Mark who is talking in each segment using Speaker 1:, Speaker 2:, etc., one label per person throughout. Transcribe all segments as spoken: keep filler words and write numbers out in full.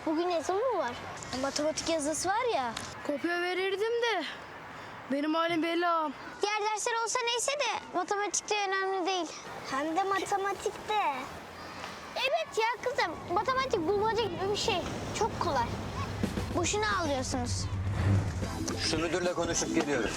Speaker 1: Bugün yazı mı var? Matematik yazısı var ya.
Speaker 2: Kopya verirdim de benim halim belli ağam.
Speaker 1: Diğer dersler olsa neyse de matematikte önemli değil. Hem de matematikte. Evet ya kızım, matematik bulmaca gibi bir şey. Çok kolay. Boşuna ağlıyorsunuz.
Speaker 3: Şu müdürle konuşup geliyorum.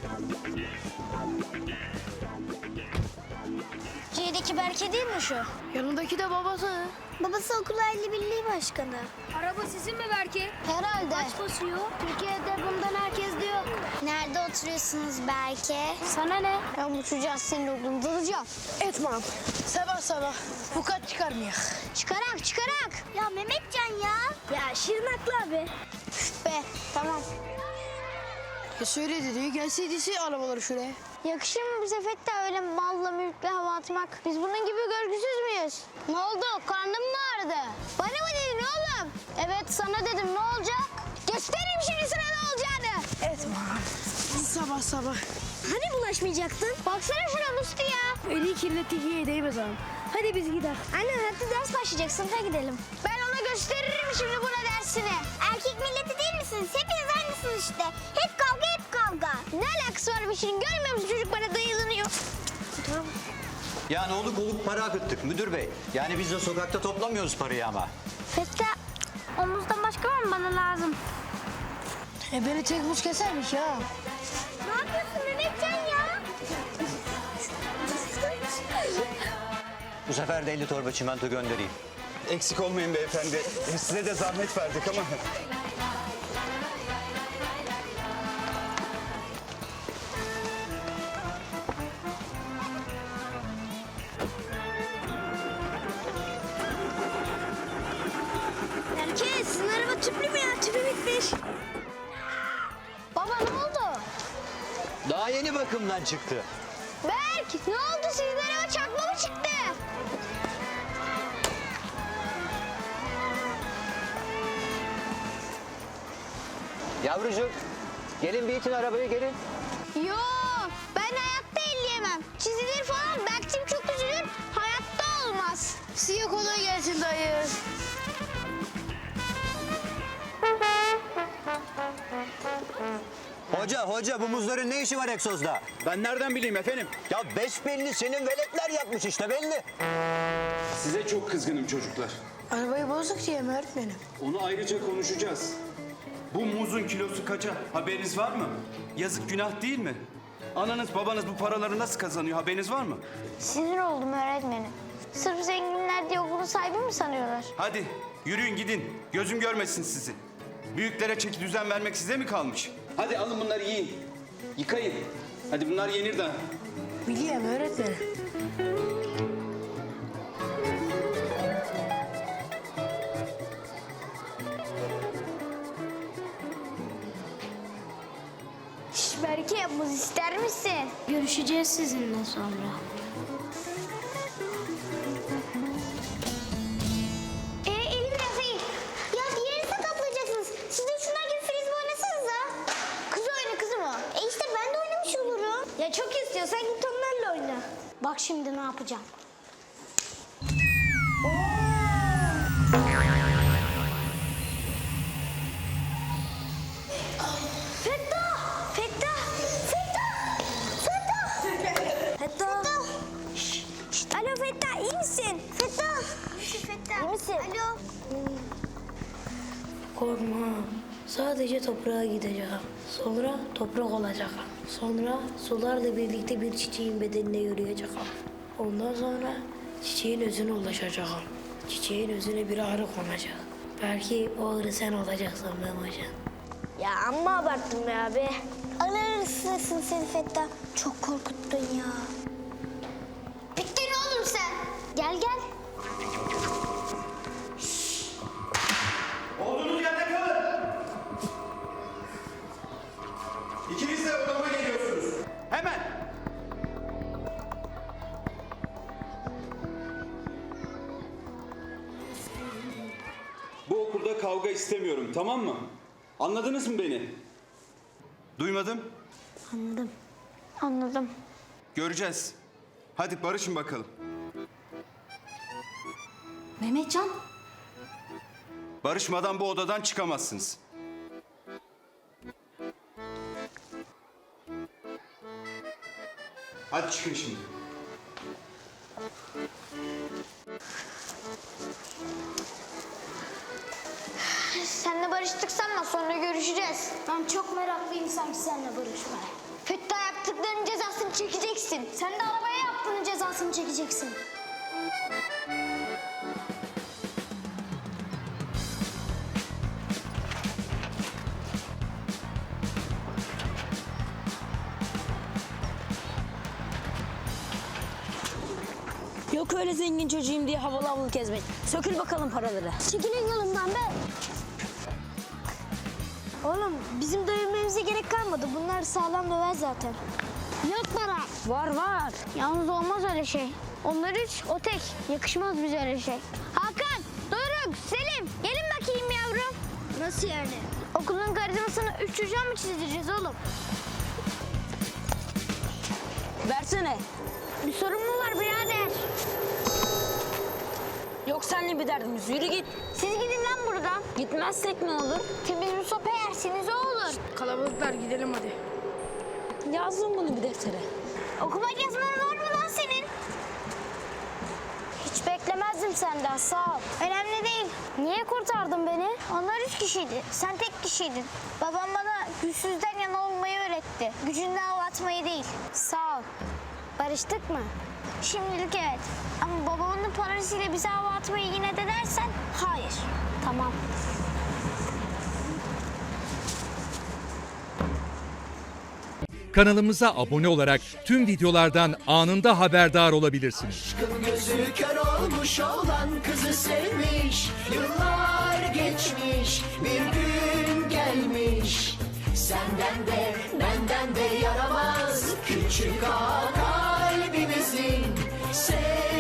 Speaker 1: C'deki Berke değil mi şu?
Speaker 2: Yanındaki de babası.
Speaker 1: Babası okul aile birliği başkanı.
Speaker 2: Araba sizin mi Berke?
Speaker 1: Herhalde.
Speaker 2: Kaç basıyor?
Speaker 1: Türkiye'de bundan herkes de yok. Nerede oturuyorsunuz Berke? Sana ne? Ben bu çocuğa senin oğlunu dalacağım.
Speaker 2: Etmem. Sabah sabah bu kaç çıkarmayak.
Speaker 1: Çıkarak çıkarak. Ya Mehmetcan ya. Ya Şirinaklı abi. Üf be tamam.
Speaker 2: Ya söyle dedi gelseydi arabaları şuraya.
Speaker 1: Yakışır mı bize Fettah öyle malla mülkle hava atmak? Biz bunun gibi görgüsüz müyüz? Ne oldu? Karnın mı ağrıdı? Bana mı dedin oğlum? Evet sana dedim ne olacak? Göstereyim şimdi sana ne olacağını.
Speaker 2: Etmem. Sabah sabah.
Speaker 1: Hani bulaşmayacaktın? Baksana şuna Musti ya.
Speaker 2: Eli kirlettik iyi değmez ağam. Hadi biz gidelim.
Speaker 1: Anne hadi ders başlayacak sınıfa gidelim. Ben ona gösteririm şimdi buna dersini. Erkek milleti değil misiniz? Hepiniz aynısınız işte. Hep kavga hep kavga. Ne alakası var bir şeyin? Görmüyor musun çocuk bana dayılanıyor. Tamam.
Speaker 3: Yani oluk oluk para akıttık müdür bey. Yani biz de sokakta toplamıyoruz parayı ama.
Speaker 1: Fettah omuzdan başka var mı bana lazım?
Speaker 2: E beni tek buz kesermiş ya.
Speaker 1: Ne yapıyorsun Mehmetcan ya?
Speaker 3: Bu sefer de elli torba çimento göndereyim.
Speaker 4: Eksik olmayın beyefendi. E, Size de zahmet verdik ama.
Speaker 1: Herkes sizin araba tüplü mü ya? Tüpü bitmiş. Baba ne oldu?
Speaker 3: Daha yeni bakımdan çıktı.
Speaker 1: Berk ne oldu sizin araba çakma mı çıktı?
Speaker 3: Yavrucuğum gelin bir itin arabayı gelin.
Speaker 1: Yo ben hayatta elleyemem. Çizilir falan Berk'cim çok üzülür. Hayatta olmaz.
Speaker 2: Size kolay gelsin dayı.
Speaker 3: Hoca hoca bu muzların ne işi var egzozda?
Speaker 4: Ben nereden bileyim efendim?
Speaker 3: Ya besbelli senin veletler yapmış işte belli.
Speaker 4: Size çok kızgınım çocuklar.
Speaker 2: Arabayı bozduk diye mi öğretmenim?
Speaker 4: Onu ayrıca konuşacağız. Bu muzun kilosu kaça? Haberiniz var mı? Yazık günah değil mi? Ananız babanız bu paraları nasıl kazanıyor? Haberiniz var mı?
Speaker 1: Sinir oldum öğretmenim. Sırf zenginler diye okulun sahibi mi sanıyorlar?
Speaker 4: Hadi yürüyün gidin. Gözüm görmesin sizi. Büyüklere çeki düzen vermek size mi kalmış? Hadi alın bunları yiyin. Yıkayın. Hadi bunlar yenir daha.
Speaker 2: Biliyorum öğretmenim.
Speaker 1: Şş Berke muz ister misin? Görüşeceğiz sizinle sonra. Ee elim biraz iyi. Ya diğerini sakatlayacaksınız. Siz de şunlar gibi frisbee oynasanıza. Kız oyna kızım o. E işte ben de oynamış olurum. Ya çok istiyorsan git onlarla oyna. Bak şimdi ne yapacağım. Fettah! Fettah! Fettah! Fettah! Fettah! Şşş! Şşş! Alo Fettah iyi misin? Fettah! İyi misin Fettah? İyi misin? Alo.
Speaker 5: Korkma. Sadece toprağa gideceğim. Sonra toprak olacağım. Sonra sularla birlikte bir çiçeğin bedenine yürüyeceğim. Ondan sonra çiçeğin özüne ulaşacağım. Çiçeğin özüne bir ağrı konacak. Belki o ağrı sen olacaksın Memocan.
Speaker 1: Ya amma abarttın be abi. Alırsın seni Fettah. Çok korkuttun ya. Bittin oğlum sen. Gel gel.
Speaker 4: Olduğunuz yerde kalın. İkiniz de odama geliyorsunuz. Hemen. Bu okulda kavga istemiyorum, tamam mı? Anladınız mı beni? Duymadım.
Speaker 1: Anladım. Anladım.
Speaker 4: Göreceğiz. Hadi barışın bakalım.
Speaker 6: Mehmetcan.
Speaker 4: Barışmadan bu odadan çıkamazsınız. Hadi çıkın şimdi.
Speaker 1: Seninle barıştık sanma, sonra görüşeceğiz. Ben çok meraklıyım sanki seninle barışmaya. Fettah yaptıklarının cezasını çekeceksin. Sen de arabaya yaptığının cezasını çekeceksin.
Speaker 6: Yok öyle zengin çocuğum diye havalı havalı gezmek. Sökül bakalım paraları.
Speaker 1: Çekilin yolumdan be. Oğlum bizim dövmemize gerek kalmadı. Bunlar sağlam döver zaten. Yok para.
Speaker 6: Var var.
Speaker 1: Yalnız olmaz öyle şey. Onlar üç, o tek. Yakışmaz bize öyle şey. Hakan, Doruk, Selim. Gelin bakayım yavrum. Nasıl yani? Okulun karizmasını üç çocuğa mı çizdireceğiz oğlum?
Speaker 6: Versene.
Speaker 1: Bir sorun mu var birader?
Speaker 6: Yok seninle bir derdimiz. Yürü git.
Speaker 1: Siz gidin lan buradan.
Speaker 6: Gitmezsek ne olur?
Speaker 1: Temiz bir sopa yersiniz o olur.
Speaker 2: Kalabalıklar gidelim hadi.
Speaker 6: Yazdım bunu bir deftere.
Speaker 1: Okumak yazman var mı lan senin? Hiç beklemezdim senden, sağ ol. Önemli değil. Niye kurtardın beni? Onlar üç kişiydi, sen tek kişiydin. Babam bana güçsüzden yana olmayı öğretti. Gücünle hava atmayı değil. Sağ ol. Barıştık mı? Şimdilik evet. Ama babamın parasıyla bize hava atmayı yine de dersen hayır. Tamam.
Speaker 7: Kanalımıza abone olarak tüm videolardan anında haberdar olabilirsiniz.
Speaker 8: Aşkın gözü kör olmuş olan kızı sevmiş. Yıllar geçmiş, bir gün gelmiş. Senden de benden de yaramaz küçük ağa kalbimizin. Sev